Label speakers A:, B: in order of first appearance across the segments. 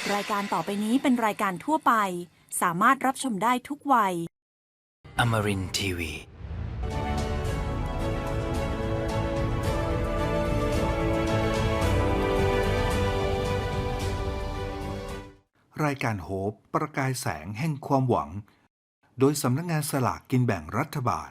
A: รายการต่อไปนี้เป็นรายการทั่วไปสามารถรับชมได้ทุกวัย
B: Amarin Tiwi.
C: รายการโฮปประกายแสงแห่งความหวังโดยสำนักงานสลากกินแบ่งรัฐบาล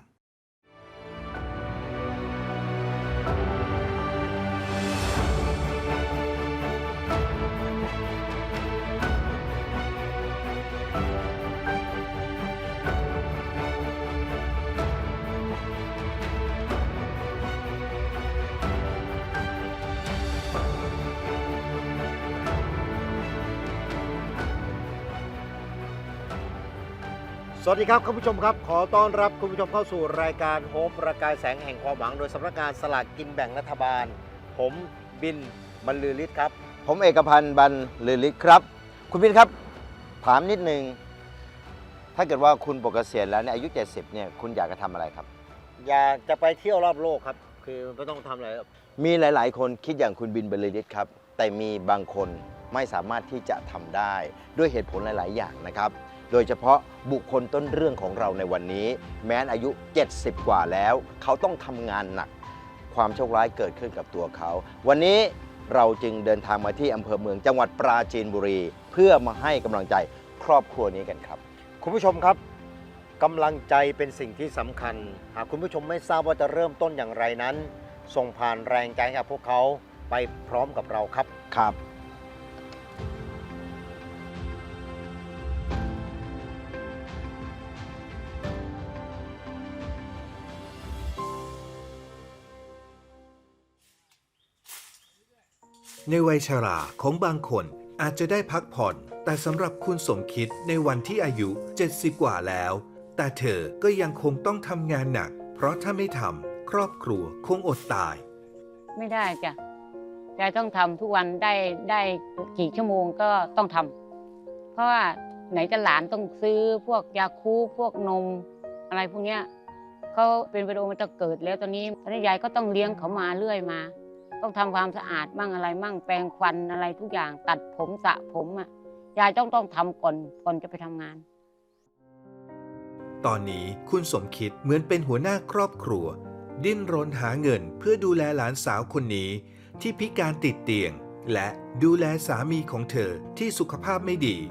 D: สวัสดีครับคุณผู้ชมครับขอต้อนรับคุณผู้ชมเข้าสู่รายการโฮปประกายแสงแห่งความหวังโดยสำนักงานสลากกินแบ่งรัฐบาลผมบินบรรลือฤทธิ์ครับผมเอกพันธ์บรรลือฤทธิ์ครับคุณบินครับถามนิดนึงถ้าเกิดว่าคุณปกเกษียณแล้วเนี่ยอายุ70เนี่ยคุณอยากจะทำอะไรครับอยากจะไปเที่ยวรอบโลกครับคือไม่ต้องทำอะไรมีหลายๆคนคิดอย่างคุณบินบรรลือฤทธิ์ครับแต่มีบางคนไม่สามารถที่จะทำได้ด้วยเหตุผลหลายๆอย่างนะครับโดยเฉพาะบุคคลต้นเรื่องของเราในวันนี้แม้นอายุ70กว่าแล้วเขาต้องทำงานหนักความโชคร้ายเกิดขึ้นกับตัวเขาวันนี้เราจึงเดินทางมาที่อำเภอเมืองจังหวัดปราจีนบุรีเพื่อมาให้กำลังใจครอบครัวนี้กันครับคุณผู้ชมครับกำลังใจเป็นสิ่งที่สำคัญหากคุณผู้ชมไม่ทราบว่าจะเริ่มต้นอย่างไรนั้นส่งผ่านแรงใจให้กับพวกเขาไปพร้อมกับเราครับครับ
C: ในวัยชราของบางคนอาจจะได้พักผ่อนแต่สำหรับคุณสมคิดในวันที่อายุ70กว่าแล้วแต่เธอก็ยังคงต้องทำงานหนักเพราะถ้าไม่ทำครอบครัวคงอดตาย
E: ไม่ได้จ้ะยายต้องทำทุกวันได้กี่ชั่วโมงก็ต้องทำเพราะว่าไหนจะหลานต้องซื้อพวกยาคูพวกนมอะไรพวกเนี้ยเขาเป็นวิดีโอมันจะเกิดแล้วตอนนี้ยายก็ต้องเลี้ยงเขามาเรื่อยมาต้องทำความสะอาดมั่งอะไรมั่งแปรงฟันอะไรทุกอย่างตัดผมสระผมอ่ะยายต้องทำก่อนจะไปทำงาน
C: ตอนนี้คุณสมคิดเหมือนเป็นหัวหน้าครอบครัวดิ้นรนหาเงินเพื่อดูแลหลานสาวคนนี้ที่พิการติดเตียงและดูแลสามีของเธอที่สุขภาพไม่ดี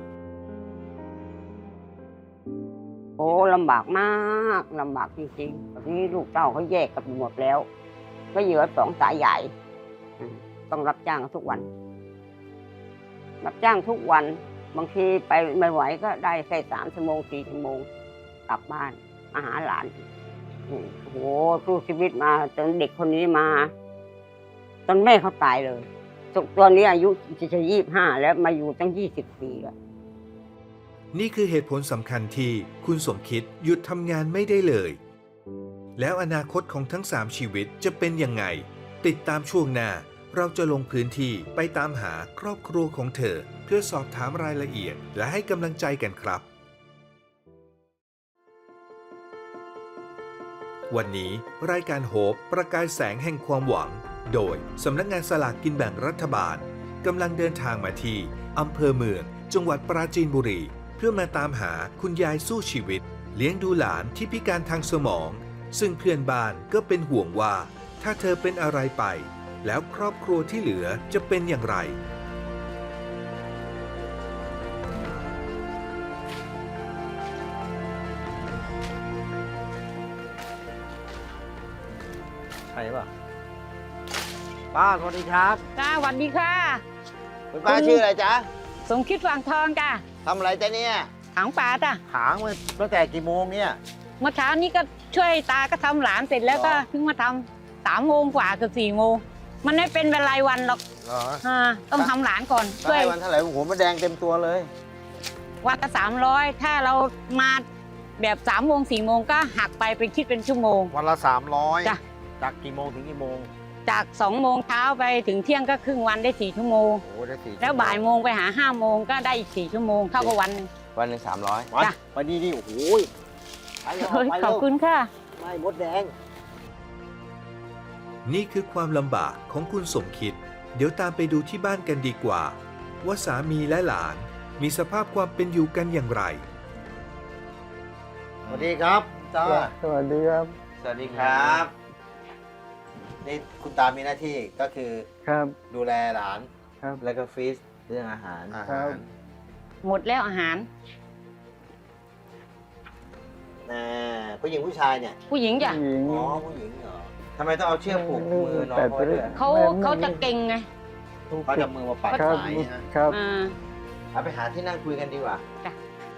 E: โอ้ลำบากมากลำบากจริงๆตอนนี้ลูกเต้าเขาแยกกันหมดแล้วก็เหลือ2 สายใหญ่ต้องรับจ้างทุกวันรับจ้างทุกวันบางทีไปไม่ไหวก็ได้แค่3 ชั่วโมง4 ชั่วโมงกลับบ้านมาหาหลานโอ้โหสู้ชีวิตมาจนเด็กคนนี้มาจนแม่เขาตายเลยตอนนี้อายุจะ25แล้วมาอยู่ตั้ง20 ปีแล้ว
C: นี่คือเหตุผลสำคัญที่คุณสมคิดหยุดทำงานไม่ได้เลยแล้วอนาคตของทั้ง3ชีวิตจะเป็นยังไงติดตามช่วงหน้าเราจะลงพื้นที่ไปตามหาครอบครัวของเธอเพื่อสอบถามรายละเอียดและให้กำลังใจกันครับวันนี้รายการโฮปประกายแสงแห่งความหวังโดยสำนักงานสลากกินแบ่งรัฐบาลกำลังเดินทางมาที่อำเภอเมืองจังหวัดปราจีนบุรีเพื่อมาตามหาคุณยายสู้ชีวิตเลี้ยงดูหลานที่พิการทางสมองซึ่งเพื่อนบ้านก็เป็นห่วงว่าถ้าเธอเป็นอะไรไปแล้วครอบครัวที่เหลือจะเป็นอย่างไร
D: ใช่ป่ะป้าสวัสดีครับ
E: จ้าสวัสดีค่ะ
D: คุณป้าชื่ออะไรจ๊ะ
E: สมคิดฝั่งทองจ้า
D: ทำอะไรจ๊ะเนี่ย
E: ถางป่าจ้า
D: ถางมาตั้งแต่กี่โมงเนี่ย
E: เมื่อเช้านี้ก็ช่วยตาก็ทำหลานเสร็จแล้วก็เพิ่งมาทำ3 โมงกว่าเกือบ4 โมงมันไม่เป็นเวลาวันหรอกต้องทำหลานก่อน
D: ช่วยวันเท่าไหร่หัวมะแดงเต็มตัวเลย
E: วันละ300ถ้าเรามาแบบ3 โมง 4 โมงก็หักไปเป็นคิดเป็นชั่วโมง
D: วันละ300
E: จ้ะ
D: จากกี่โมงถึงกี่โมง
E: จาก2 โมงเช้าไปถึงเที่ยงก็ครึ่งวันได้4 ชั่วโมง
D: โอ้ได้4
E: แล้วบ่ายโมงไปหา5 โมงก็ได้อีก4 ชั่วโมงเท่ากับวันนึง
D: วันหนึ่ง300จ้ะวันนี้นี่โอ้โห
E: ขอบคุณค่ะ
D: ไม่มดแดง
C: นี่คือความลำบากของคุณสมคิดเดี๋ยวตามไปดูที่บ้านกันดีกว่าว่าสามีและหลานมีสภาพความเป็นอยู่กันอย่างไร
D: สวัสดีครับจ้า
F: สวัสดีครับ
D: สวัสดีครับนี่คุณตามีหน้าที่ก็คือ
F: ครับ
D: ดูแลหลาน
F: ครับ
D: แล้วก็ฟีสเรื่องอาหาร
F: ครับ
E: หมดแล้วอาหาร
D: ผู้หญิงผู้ชายเนี่ย
E: ผู้หญิงจ้ะ
F: ผู้หญิง
D: อ๋อผู้หญิงเหรอทำไมต้องเอาเชือกผูกมือน้องเขาด้วย
E: เขาจะเก่งไง
D: เขาจะมือมาปัด
F: ครับ
D: สายนะ
F: ครับ
E: อ่า
D: เอาไปหาที่นั่งคุยกันดีกว่า
E: จ้ะ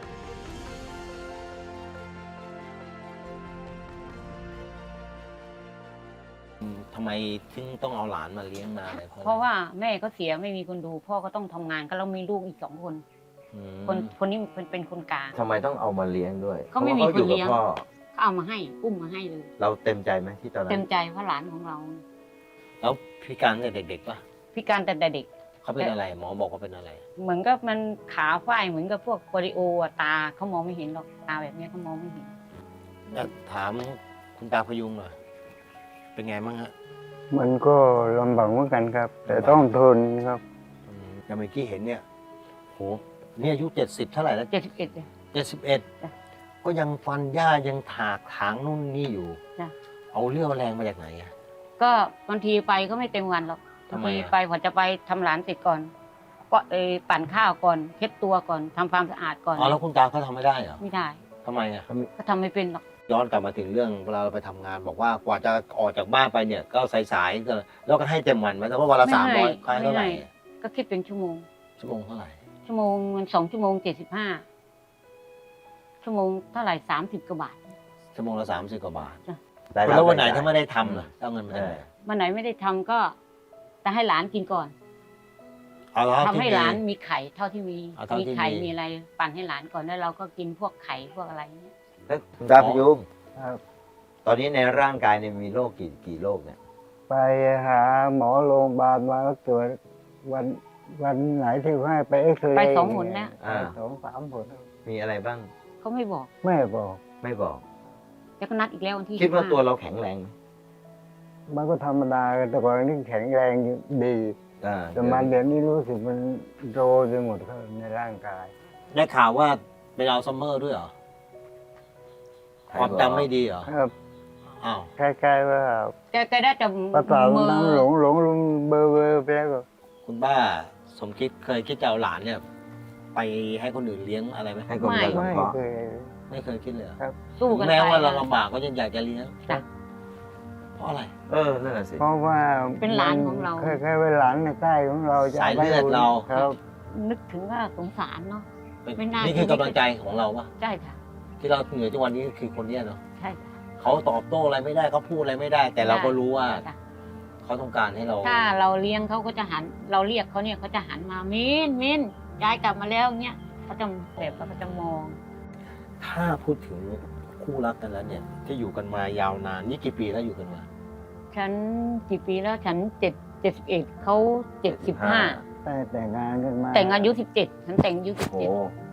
G: ทำไมถึงต้องเอาหลานมาเลี้ยงมาอะไร
E: เพราะว่าแม่ก็เสียไม่มีคนดู พ่อก็ต้องทำงานก็เรามีลูกอีก2 คน
G: อืม
E: คนนี้เป็นคนกลาง
H: ทำไมต้องเอามาเลี้ยงด้วย
E: เขาไม่มี
H: พระว่
E: คนเลี้ยง
H: พ่อ
E: เขาเอามาให้อุ้มมาให้เลย
H: เราเต็มใจไหมที่ตอนนั้
E: เต็
H: น
E: มใจเพราะหลานของเรา
G: แล้วพิการตั้งแต่เด็กๆปะ
E: พิการแต่เด็ก
G: เขาเป็นอะไรหมอบอกว่าเป็นอะไร
E: เหมือนกับมันขาฝ้ายเหมือนกับพวกโปลิโออะตาเขามองไม่เห็นหรอกตาแบบนี้เขามองไม่เห็น
G: ถามคุณตาพยุงหน่อยเป็นไงบ้างฮะ
F: มันก็ลำบากเหมือนกันครับ แต่ต้องทนครับ
G: อย่างเมื่อกี้เห็นเนี่ยโหนี่อายุ70เท่าไหร่แล้ว
E: 71เลย
G: 71ก็ยังฟันหญ้ายังถากถางนู่นนี่อยู่
E: จ้ะ
G: เอาเรี่ยวแรงมาจากไหนอะ
E: ก็บางทีไปก็ไม่เต็มวันหรอก
G: ทำ
E: บาง
G: ไม
E: ที
G: อะ
E: ไปพอจะไปทำหลานเสร็จก่อน ก็ปั่นข้าวก่อนเช็ดตัวก่อนทำความสะอาดก่อน
G: อ๋อแล้วคุณตาเขาทำไม่ได้เหรอ
E: ไม่ได้
G: ทำไมอะ
E: ก็ทำไม่เป็นหรอก
G: ย้อนกลับมาถึงเรื่องเวลาเราไปทำงาน บอกว่ากว่าจะออกจากบ้านไปเนี่ยก็สายๆก็แล้วก็ให้เต็มวันไหมแต่ว่าวันละ300ค่าเท่าไหร่
E: ก็คิดเป็นชั่วโมง
G: ชั่วโมงเท่าไหร่
E: ชั่วโมงมัน2 ชั่วโมง 75 ชั่วโมงเท่าไหร่30 กว่าบาท
G: ชั่วโมงละ30 กว่าบาท
E: จ้ะ
H: ได้รับ
G: แล้ววันไหน
H: รายได้
G: ถ้าไม่ได้ทำล่ะเอาเงินมาจากไหน
E: วันไหนไม่ได้ทำก็จะให้หลานกินก่อน
G: เอาแล้ว
E: ทำให้หลานมีไข่เท่าที่มี
G: เอาเท่าที่
E: มีไข่
G: มี
E: มีอะไรปั่นให้หลานก่อนแล้วเราก็กินพวกไข่พวกอะไรเงี้ย
H: แล้วคุณตาพยุง
F: ครับ
H: ตอนนี้ในร่างกายเนี่ยมีโรคกี่โรคเนี่ย
F: ไปหาหมอโรงพยาบาลมาก็ตรวจวันไหนที่ให้ไปเอ็กซเรย์
E: ไป2 หนแล้ว
H: อ่า
F: 2-3 หน
H: มีอะไรบ้าง
E: เขาไม่บอก
F: แม่บอก
H: ไม่บอก
E: แล้วก็นัดอีกแล้ววันที่
H: คิดว่า
E: 15
H: ตัวเราแข็งแรงไหม
F: มันก็ธรรมดาแต่ก่อนนี่แข็งแรงดี
H: อ่า
F: แต่มาเดี๋ยวนี้รู้สึกมันโรยไปหมดครับในร่างกาย
G: ได้ข่าวว่าเป็นอัลไซเมอร์ด้วยเหรอความจำไม่ดีเหรอ
F: ครับ
G: อ้าว
F: คล้ายๆว่า
E: แกได้แต่
F: ประสาท
E: มือ
F: น้ำหลงเบอร์ไปแล้วก็
G: คุณป้าสมคิดเคยคิดจะเอาหลานเนี่ย ไปให้คนอื่นเลี้ยงอะไรไหม
H: ให้คนอื่น
F: ไม่
H: ก่อน
F: เคย
G: ไม่เคยคิดเลยเหรอ
F: ครับ
E: สู้กัน
G: แม้
E: ไป
G: ว่าเราลำบากก็ยังอยากจะเลี้ยง
E: จ้ะ
G: เพราะอะไร
H: นั่นแหละสิ
F: เพราะว่า
E: เป็นหลานของเรา
F: คล้ายๆเป็นหลานในใต้ของเราจะ
G: สายเลือดเรา
F: ครับ
E: นึกถึงว่าสงสารเนาะ
G: เป็น
E: ไม่น่า
G: นี่คือกำลังใจของเราปะ
E: ใช่ค่ะ
G: ที่เราเหนื่อยทุกวันนี้คือคนเนี้ยเนาะ
E: ใช่ค่ะ
G: เขาตอบโต้อะไรไม่ได้เขาพูดอะไรไม่ได้ แต่เราก็รู้ว่า
E: จ้ะ
G: เขาต้องการให้เรา
E: ถ้าเราเลี้ยงเขาก็จะหัน เราเรียกเขาเนี่ยเขาจะหันมามินยายกลับมาแล้วเงี้ยเขาจะแบบเขาจะมอง
G: ถ้าพูดถึงคู่รักกันแล้วเนี่ย ที่อยู่กันมายาวนานนี่กี่ปีแล้วอยู่กันมา
E: ฉันกี่ปีแล้วฉัน71เขา75
F: แต่แต่งงานกันมา
E: แต่งอายุ17ฉันแต่งอายุ
H: โอ้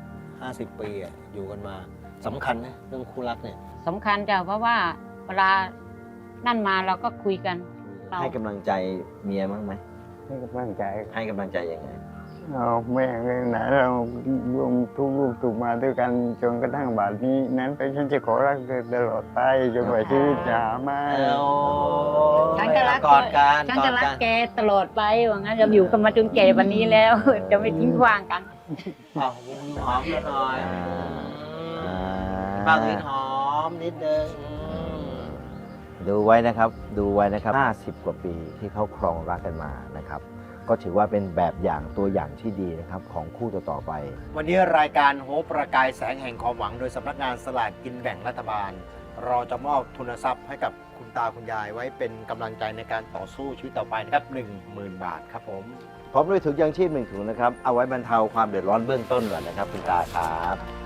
G: 50 ปีอะอยู่กันมาสำคัญนะเรื่องคู่รักเนี่ย
E: 17สำคัญจ้ะเพราะว่าเวลานั่นมาเราก็คุยกัน เรา
H: ให้กำลังใจเมียบ้างไหม
F: ให้กำลังใจ
H: ให้กำลังใจยังไง
F: เอาแม่เลยไหนเรารวมทุกลูกถูกมาด้วยกันจนกระทั่งบาดนี้ นั้นไปฉันจะขอรักเธอตลอดไปจนกว่าชีวิตจะหาไม่
E: ฉันก็รัก
G: กอดกัน
E: ฉัน
G: กอ
E: จะ
G: ด
E: รัก
G: กัน
E: แกตลอดไปว่างั้นเราอยู่กันมาจนแก่วันนี้แล้ว จะไม่ทิ้งขว้างกัน
G: อ้าวหอมกันหน่อย
H: อ่า
G: บางนิดหอมนิดนึง
H: ดูไว้นะครับ ดูไว้นะครับ50 กว่าปีที่เขาครองรักกันมานะครับ ก็ถือว่าเป็นแบบอย่างตัวอย่างที่ดีนะครับของคู่ต่อๆไป
D: วันนี้รายการโฮปประกายแสงแห่งความหวังโดยสำนักงานสลากกินแบ่งรัฐบาล เราจะมอบทุนทรัพย์ให้กับคุณตาคุณยายไว้เป็นกำลังใจในการต่อสู้ชีวิตต่อไปนะครับ 10,000 บาทครับผม
H: พร้อมด้วยถุงยางชีพ1 ถุงนะครับ เอาไว้บรรเทาความเดือดร้อนเบื้องต้นก่อนนะครับคุณตาครับ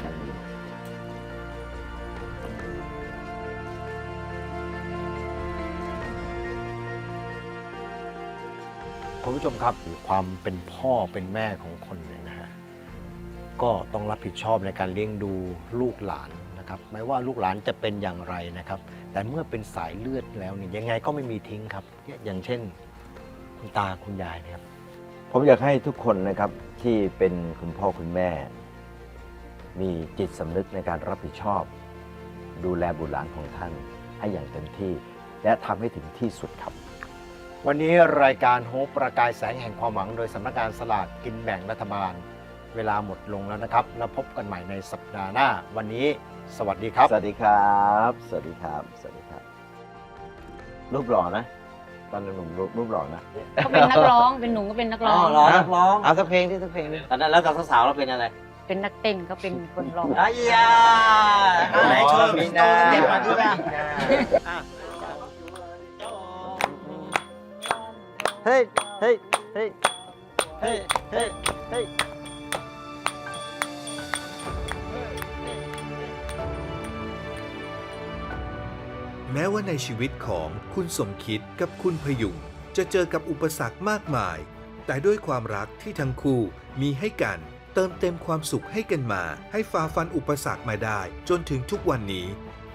D: คุณผู้ชมครับความเป็นพ่อเป็นแม่ของคนเนี่ยนะฮะก็ต้องรับผิดชอบในการเลี้ยงดูลูกหลานนะครับไม่ว่าลูกหลานจะเป็นอย่างไรนะครับ แต่เมื่อเป็นสายเลือดแล้วเนี่ยยังไงก็ไม่มีทิ้งครับอย่างเช่นคุณตาคุณยายนะครับ
H: ผมอยากให้ทุกคนนะครับที่เป็นคุณพ่อคุณแม่ มีจิตสำนึกในการรับผิดชอบ ดูแลบุตรหลานของท่านให้อย่างเต็มที่ และทำให้ถึงที่สุดครับ
D: วันนี้รายการโฮปประกายแสงแห่งความหวังโดยสำนักงานสลากกินแบ่งรัฐบาล เวลาหมดลงแล้วนะครับ แล้วพบกันใหม่ในสัปดาห์หน้า วันนี้สวัสดีครับ
H: สวัสดีครับ สวัสดีครับ สวัสดีครับ รูปหล่อนะ ตอนหนุ่มรูปหล่อนะ
I: เขาเป็นนักร้อง เป็นหนุ่มก็เป็นนักร้อง
G: ร้องนักร้อง
D: เอาสักเพลงที่สักเพลงนึง
G: ตอนนั้นแล้วกับสาวๆเราเป็นอะไร
I: เป็นนักเต้นเขาเป็นคนร้อง
G: อ้ยาไหนโชว์
D: มี
G: มี
D: นา
G: นาเด็กมาที่บ้าน
D: เฮ้ยเฮ้ยเฮ้ยเฮ้ยเฮ้ยเฮ้ย
C: แม้ว่าในชีวิตของคุณสมคิดกับคุณพยุงจะเจอกับอุปสรรคมากมาย แต่ด้วยความรักที่ทั้งคู่มีให้กันเติมเต็มความสุขให้กันมาให้ฝ่าฟันอุปสรรคมาได้จนถึงทุกวันนี้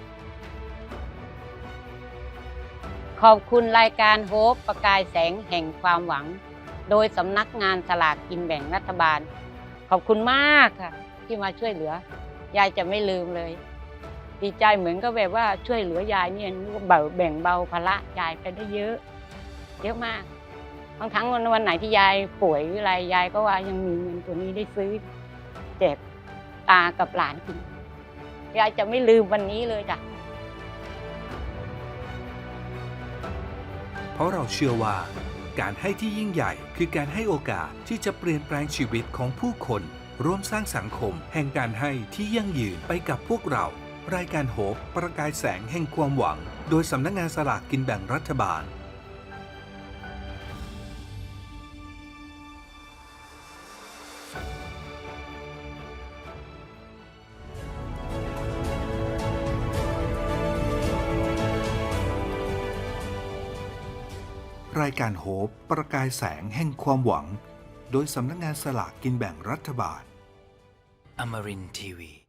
I: ขอบคุณรายการโฮปประกายแสงแห่งความหวัง โดยสำนักงานสลากกินแบ่งรัฐบาล ขอบคุณมากค่ะ ที่มาช่วยเหลือ ยายจะไม่ลืมเลย ดีใจเหมือนก็แบบว่าช่วยเหลือยายเนี่ยนึกว่าแบ่งเบาภาระยายไปได้เยอะ เยอะมากบางครั้งวันไหนที่ยายป่วยหรืออะไรยายก็ว่ายังมีเงินตัวนี้ได้ซื้อแจกตากับหลานกินยายจะไม่ลืมวันนี้เลยจ้ะ
C: เพราะเราเชื่อว่า การให้ที่ยิ่งใหญ่คือการให้โอกาสที่จะเปลี่ยนแปลงชีวิตของผู้คนร่วมสร้างสังคมแห่งการให้ที่ยั่งยืนไปกับพวกเรา รายการโฮปประกายแสงแห่งความหวัง โดยสำนักงานสลากกินแบ่งรัฐบาล รายการโฮปประกายแสงแห่งความหวัง โดยสำนักงานสลากกินแบ่งรัฐบาล
B: Amarin Tiwi.